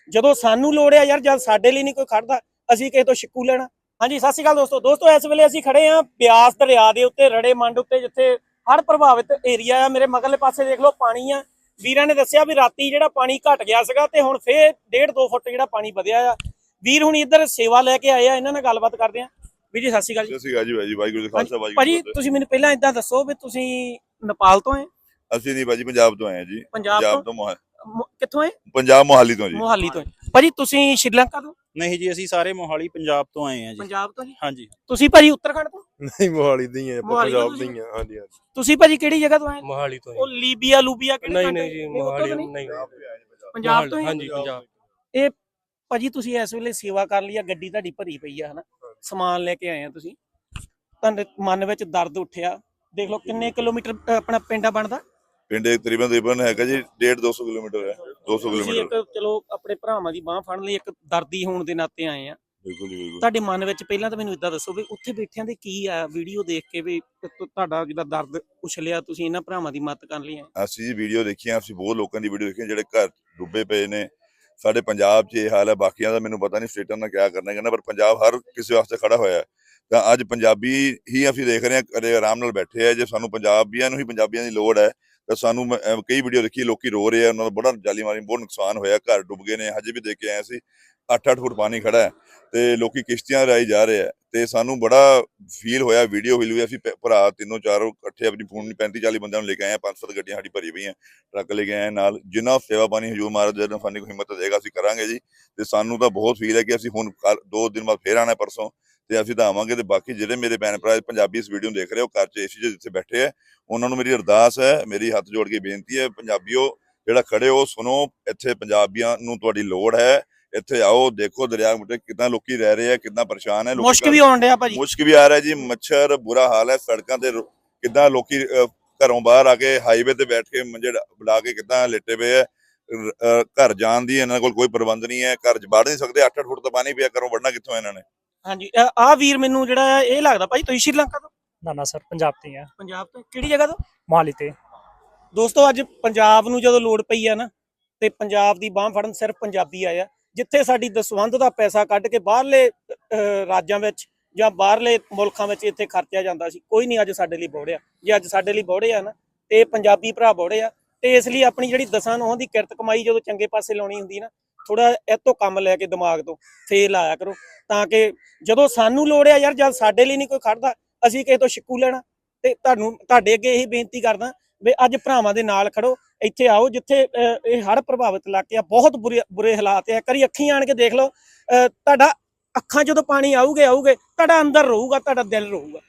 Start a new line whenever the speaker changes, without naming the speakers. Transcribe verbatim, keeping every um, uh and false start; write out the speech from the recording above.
ਜਦੋਂ ਸਾਨੂੰ ਲੋੜ ਆ ਯਾਰ, ਜਦ ਸਾਡੇ ਲਈ ਨਹੀਂ ਕੋਈ ਖੜਦਾ ਅਸੀਂ ਕਿਸੇ ਤੋਂ ਸ਼ਿਕੂ ਲੈਣਾ। ਹਾਂਜੀ, ਸਤਿ ਸ਼੍ਰੀ ਅਕਾਲ ਦੋਸਤੋ ਦੋਸਤੋ ਇਸ ਵੇਲੇ ਅਸੀਂ ਖੜੇ ਆ ਬਿਆਸ ਦਰਿਆ ਦੇ ਉੱਤੇ, ਰੜੇ ਮੰਡ ਉੱਤੇ, ਜਿੱਥੇ ਹੜ੍ਹ ਪ੍ਰਭਾਵਿਤ ਏਰੀਆ ਆ। ਮੇਰੇ ਮਗਰਲੇ ਪਾਸੇ ਦੇਖ ਲਓ ਪਾਣੀ ਆ। ਵੀਰਾਂ ਨੇ ਦੱਸਿਆ ਵੀ ਰਾਤੀ ਜਿਹੜਾ ਪਾਣੀ ਘਟ ਗਿਆ ਸੀਗਾ ਤੇ ਹੁਣ ਫੇਰ ਡੇਢ ਦੋ ਫੁੱਟ ਜਿਹੜਾ ਪਾਣੀ ਵਧਿਆ ਆ। ਵੀਰ ਹੁਣ ਇੱਧਰ ਸੇਵਾ ਲੈ ਕੇ ਆਏ ਆ, ਇਹਨਾਂ ਨਾਲ ਗੱਲਬਾਤ ਕਰਦੇ ਆ। ਵੀਰ ਜੀ ਸਤਿ ਸ਼੍ਰੀ ਅਕਾਲ ਜੀ।
ਸਤਿ ਸ਼੍ਰੀ ਅਕਾਲ ਜੀ, ਭਾਈ ਵਾਹਿਗੁਰੂ ਜੀ ਕਾ ਖਾਲਸਾ ਵਾਹਿਗੁਰੂ
ਭਾਜੀ ਤੁਸੀਂ ਮੈਨੂੰ ਪਹਿਲਾਂ ਇਦਾਂ ਦੱਸੋ ਵੀ ਤੁਸੀਂ ਨੇਪਾਲ ਤੋਂ ਆਏ?
ਅਸੀਂ ਨਹੀਂ ਭਾਜੀ, ਪੰਜਾਬ ਤੋਂ ਆਏ ਆ ਜੀ।
ਪੰਜਾਬ
ਤੋਂ ਮੋਹਾ-
ਮੋ- ਕਿੱਥੋਂ ਆਏ?
ਪੰਜਾਬ ਮੋਹਾਲੀ ਤੋਂ ਜੀ।
ਮੋਹਾਲੀ ਤੋਂ। ਭਾਜੀ ਤੁਸੀਂ ਸ਼੍ਰੀਲੰਕਾ ਤੋਂ?
ਨਹੀਂ ਜੀ, ਅਸੀਂ ਸਾਰੇ ਮੋਹਾਲੀ ਪੰਜਾਬ ਤੋਂ ਆਏ ਆ ਜੀ।
ਪੰਜਾਬ ਤੋਂ ਜੀ।
ਹਾਂਜੀ।
ਤੁਸੀਂ ਭਾਜੀ ਉੱਤਰਾਖੰਡ ਤੋਂ?
ਨਹੀਂ, ਮੋਹਾਲੀ ਦੇ ਹੀ ਆ,
ਮੋਹਾਲੀ ਤੋਂ
ਪੰਜਾਬ ਦੇ
ਤੁਸੀਂ?
ਹੀ ਆ। ਹਾਂਜੀ ਹਾਂਜੀ,
ਤੁਸੀਂ ਭਾਜੀ ਕਿਹੜੀ ਜਗ੍ਹਾ ਤੋਂ ਆਏ?
ਮੋਹਾਲੀ ਤੋਂ
ਉਹ ਲੀਬੀਆ ਲੂਬੀਆ ਕਿਹੜੇ
ਨਹੀਂ
ਕੰਟਰੀ?
ਨਹੀਂ ਜੀ,
ਨਹੀਂ, ਉੱਥੋਂ
ਮੋਹਾਲੀ
ਤਾਂ ਨਹੀਂ?
ਨਹੀਂ,
ਪੰਜਾਬ ਤੋਂ ਹੀ?
ਹਾਂਜੀ ਪੰਜਾਬ।
ਇਹ ਭਾਜੀ ਤੁਸੀਂ ਇਸ ਵੇਲੇ ਸੇਵਾ ਕਰ ਲਈ ਆ, ਗੱਡੀ ਤੁਹਾਡੀ ਭਰੀ ਪਈ ਆ ਹਨਾ, ਸਮਾਨ ਲੈ ਕੇ ਆਏ ਆ ਤੁਸੀਂ, ਤੁਹਾਡੇ ਮਨ ਵਿੱਚ ਦਰਦ ਉੱਠਿਆ। ਦੇਖ ਲਓ ਕਿੰਨੇ ਕਿਲੋਮੀਟਰ ਅ, ਆਪਣਾ ਪਿੰਡ ਬਣਦਾ?
ਪਿੰਡ ਤਕਰੀਬਨ ਤਕਰੀਬਨ ਹੈਗਾ ਜੀ ਡੇਢ ਦੋ ਸੌ ਕਿਲੋਮੀਟਰ ਹੈ। ਦੋ ਸੌ
ਤੁਸੀਂ
ਕਿਲੋਮੀਟਰ
ਇੱਕ ਚਲੋ ਆਪਣੇ ਭਰਾਵਾਂ ਦੀ ਬਾਹ ਫੜਨ ਲਈ ਇੱਕ ਦਰਦੀ ਹੋਣ ਦੇ ਨਾਤੇ ਆਏ ਆ।
ਬਿਲਕੁਲ ਜੀ ਬਿਲਕੁਲ।
ਤੁਹਾਡੇ ਮਨ ਵਿੱਚ ਪਹਿਲਾਂ ਤਾਂ ਮੈਨੂੰ ਇਦਾਂ ਦੱਸੋ ਵੀ ਉੱਥੇ ਬੈਠਿਆਂ ਦੇ ਕੀ ਆ ਵੀਡੀਓ ਦੇਖ ਕੇ ਵੀ ਤੁ- ਤੁਹਾਡਾ ਜਿਹੜਾ ਦਰਦ ਉਛਲਿਆ, ਤੁਸੀਂ ਇਹਨਾਂ ਭਰਾਵਾਂ ਦੀ ਮਦਦ ਕਰਨ ਲਈ ਆਏ?
ਅਸੀਂ ਜੀ ਵੀਡੀਓ ਦੇਖੀਆਂ, ਅਸੀਂ ਬਹੁਤ ਲੋਕਾਂ ਦੀ ਵੀਡੀਓ ਦੇਖੀਆਂ ਜਿਹੜੇ ਘਰ ਡੁੱਬੇ ਪਏ ਨੇ। ਸਾਡੇ ਪੰਜਾਬ 'ਚ ਇਹ ਹਾਲ ਹੈ, ਬਾਕੀਆਂ ਦਾ ਮੈਨੂੰ ਪਤਾ ਨਹੀਂ ਸਟੇਟਾਂ ਦਾ ਕਿਆ ਕਰਨਾ ਕਹਿੰਦਾ, ਪਰ ਪੰਜਾਬ ਹਰ ਕਿਸੇ ਵਾਸਤੇ ਖੜਾ ਹੋਇਆ ਹੈ। ਤਾਂ ਅੱਜ ਪੰਜਾਬੀ ਹੀ ਅਸੀਂ ਦੇਖ ਰਹੇ ਹਾਂ ਕਦੇ ਆਰਾਮ ਨਾਲ ਬੈਠੇ ਆ। ਜੇ ਸਾਨੂੰ ਪੰਜਾਬੀਆਂ ਨੂੰ ਹੀ ਪੰਜਾਬੀਆਂ ਦੀ ਲੋੜ ਹੈ ਤਾਂ ਸਾਨੂੰ ਮੈਂ, ਅਹ, ਕਈ ਵੀਡੀਓ ਦੇਖੀ, ਲੋਕੀ ਰੋ ਰਹੇ ਆ, ਉਹਨਾਂ ਦਾ ਬੜਾ ਜਾਲੀ ਮਾਰੀ ਬਹੁਤ ਨੁਕਸਾਨ ਹੋਇਆ, ਘਰ ਡੁੱਬ ਗਏ ਨੇ। ਹਜੇ ਵੀ ਦੇਖ ਕੇ ਆਏ ਸੀ, ਅੱਠ ਅੱਠ ਫੁੱਟ ਪਾਣੀ ਖੜਾ ਹੈ ਤੇ ਲੋਕੀ ਕਿਸ਼ਤੀਆਂ ਰਾਹੀਂ ਜਾ ਰਹੇ ਆ। ਤੇ ਸਾਨੂੰ ਬੜਾ ਫੀਲ ਹੋਇਆ, ਵੀਡੀਓ ਹਿਲ ਹੋਈ। ਅਸੀਂ ਭੈ- ਭਰਾ ਤਿੰਨੋਂ ਚਾਰੋਂ ਇਕੱਠੇ ਆਪਣੀ ਫੋਨ ਪੈਂਤੀ ਚਾਲੀ ਬੰਦਿਆਂ ਨੂੰ ਲੈ ਕੇ ਆਏ ਆ। ਪੰਜ ਸੱਤ ਗੱਡੀਆਂ ਸਾਡੀ ਭਰੀ ਪਈਆਂ, ਟਰੱਕ ਲੈ ਕੇ ਆਏ ਨਾਲ। ਜਿੰਨਾ ਸੇਵਾ ਪਾਣੀ ਹਜੂਰ ਮਹਾਰਾਜ ਜਦੋਂ ਸਾਨੂੰ ਕੋਈ ਹਿੰਮਤ ਦੇਗਾ ਅਸੀਂ ਕਰਾਂਗੇ ਜੀ। ਤੇ ਸਾਨੂੰ ਤਾਂ ਬਹੁਤ ਫੀਲ ਹੈ ਕਿ ਅਸੀਂ ਹੁਣ ਕੱਲ੍ਹ ਦੋ ਦਿਨ ਬਾਅਦ ਫੇਰ ਆਉਣਾ, ਪਰਸੋਂ, ਤੇ ਅਸੀਂ ਤਾਂ ਆਵਾਂਗੇ। ਤੇ ਬਾਕੀ ਜਿਹੜੇ ਮੇਰੇ ਭੈਣ ਭਰਾ ਪੰਜਾਬੀ ਇਸ ਵੀਡੀਓ ਨੂੰ ਦੇਖ ਰਹੇ ਹੋ, ਘਰ 'ਚ ਏਸੀ 'ਚ ਜਿੱਥੇ ਬੈਠੇ ਆ, ਉਹਨਾਂ ਨੂੰ ਮੇਰੀ ਅਰਦਾਸ ਹੈ, ਮੇਰੀ ਹੱਥ ਜੋੜ ਕੇ ਬੇਨਤੀ ਹੈ, ਪੰਜਾਬੀਓ ਜਿਹੜਾ ਖੜੇ ਹੋ ਸੁਣੋ, ਇੱਥੇ ਪੰਜਾਬੀਆਂ ਨੂੰ ਤੁਹਾਡੀ ਲੋੜ ਹੈ। ਇੱਥੇ ਆਓ, ਦੇਖੋ ਦਰਿਆ ਮੁੱਢੇ ਕਿੰਨਾ ਲੋਕੀ ਰਹਿ ਰਹੇ ਆ, ਕਿੰਨਾ ਪਰੇਸ਼ਾਨ ਹੈ।
ਮੁਸ਼ਕ ਵੀ ਆਉਣ ਡਿਆ ਭਾਜੀ।
ਮੁਸ਼ਕ ਵੀ ਆ ਰਿਹਾ ਜੀ, ਮੱਛਰ ਬੁਰਾ ਹਾਲ ਹੈ ਸੜਕਾਂ ਤੇ। ਰੋ- ਕਿੱਦਾਂ ਲੋਕੀ ਅਹ, ਘਰੋਂ ਬਾਹਰ ਆ ਕੇ ਹਾਈਵੇ ਤੇ ਬੈਠ ਕੇ ਮੰਜੇ ਡਾ- ਲਾ ਕੇ ਕਿੱਦਾਂ ਲੇਟੇ ਪਏ ਆ। ਰ- ਅਹ, ਘਰ ਜਾਣ ਦੀ ਇਹਨਾਂ ਕੋਲ ਕੋਈ ਪ੍ਰਬੰਧ ਨਹੀਂ ਹੈ, ਘਰ 'ਚ ਵੜ ਨਹੀਂ ਸਕਦੇ। ਅੱਠ ਅੱਠ ਫੁੱਟ ਤਾਂ ਪਾਣੀ ਪਿਆ, ਘਰੋਂ ਵੜਨਾ ਕਿੱਥੋਂ ਇਹਨਾਂ ਨੇ?
ਹਾਂਜੀ, ਆਹ ਵੀਰ ਮੈਨੂੰ ਜਿਹੜਾ ਆ ਇਹ ਲੱਗਦਾ ਭਾਜੀ ਤੁਸੀਂ ਸ਼੍ਰੀਲੰਕਾ ਤੋਂ?
ਨਾ ਨਾ ਸਰ, ਪੰਜਾਬ ਤੇ ਆ,
ਪੰਜਾਬ ਤੋਂ? ਕਿਹੜੀ ਜਗ੍ਹਾ ਤੋਂ?
ਮੋਹਾਲੀ ਤੇ।
ਦੋਸਤੋ ਅੱਜ ਪੰਜਾਬ ਨੂੰ ਜਦੋਂ ਲੋੜ ਪਈ ਆ ਨਾ, ਤੇ ਪੰਜਾਬ ਦੀ ਬਾਹ ਫੜਨ ਸਿਰਫ ਪੰਜਾਬੀ ਆਇਆ। ਜਿੱਥੇ ਸਾਡੀ ਦਸਵੰਧ ਦਾ ਪੈਸਾ ਕੱਢ ਕੇ ਬਾਹਰਲੇ ਅਹ, ਰਾਜਾਂ ਵਿੱਚ ਜਾਂ ਬਾਹਰਲੇ ਮੁਲਕਾਂ ਵਿੱਚ ਇੱਥੇ ਖਰਚਿਆ ਜਾਂਦਾ ਸੀ, ਕੋਈ ਨਹੀਂ ਅੱਜ ਸਾਡੇ ਲਈ ਬੋੜਿਆ। ਜੇ ਅੱਜ ਸਾਡੇ ਲਈ ਬੋੜੇ ਆ ਨਾ, ਤੇ ਪੰਜਾਬੀ ਭਰਾ ਬੋੜੇ ਆ। ਤੇ ਇਸ ਲਈ ਆਪਣੀ ਜਿਹੜੀ ਦਸਾਂ ਨੌਹਾਂ ਦੀ ਕਿਰਤ ਕਮਾਈ ਜਦੋਂ ਚੰਗੇ ਪਾਸੇ ਲਾਉਣੀ ਹੁੰਦੀ ਨਾ, ਥੋੜਾ ਇਹ ਤੋਂ ਕੰਮ ਲੈ ਕੇ ਦਿਮਾਗ ਤੋਂ ਫੇਰ ਲਾਇਆ ਕਰੋ, ਤਾਂ ਕਿ ਜਦੋਂ ਸਾਨੂੰ ਲੋੜ ਆ ਯਾਰ, ਜਦ ਸਾਡੇ ਲਈ ਨਹੀਂ ਕੋਈ ਖੜਦਾ ਅਸੀਂ ਕਿਸੇ ਤੋਂ ਸ਼ਿਕੂ ਲੈਣਾ। ਤੇ ਤੁਹਾਨੂੰ ਤੁਹਾਡੇ ਅੱਗੇ ਇਹੀ ਬੇਨਤੀ ਕਰਦਾ ਵੀ ਅੱਜ ਭਰਾਵਾਂ ਦੇ ਨਾਲ ਖੜੋ, ਇੱਥੇ ਆਓ ਜਿੱਥੇ ਅਹ, ਇਹ ਹੜ੍ਹ ਪ੍ਰਭਾਵਿਤ ਇਲਾਕੇ ਆ, ਬਹੁਤ ਬੁਰੇ ਬੁਰੇ ਹਾਲਾਤ ਆ। ਕਰੀ ਅੱਖੀਂ ਆਣ ਕੇ ਦੇਖ ਲਓ, ਅਹ, ਤੁਹਾਡਾ ਅੱਖਾਂ ਜਦੋਂ ਪਾਣੀ ਆਊਗੇ ਆਊਗੇ ਤੁਹਾਡਾ ਅੰਦਰ ਰਹੂਗਾ, ਤੁਹਾਡਾ ਦਿਲ ਰਹੂਗਾ।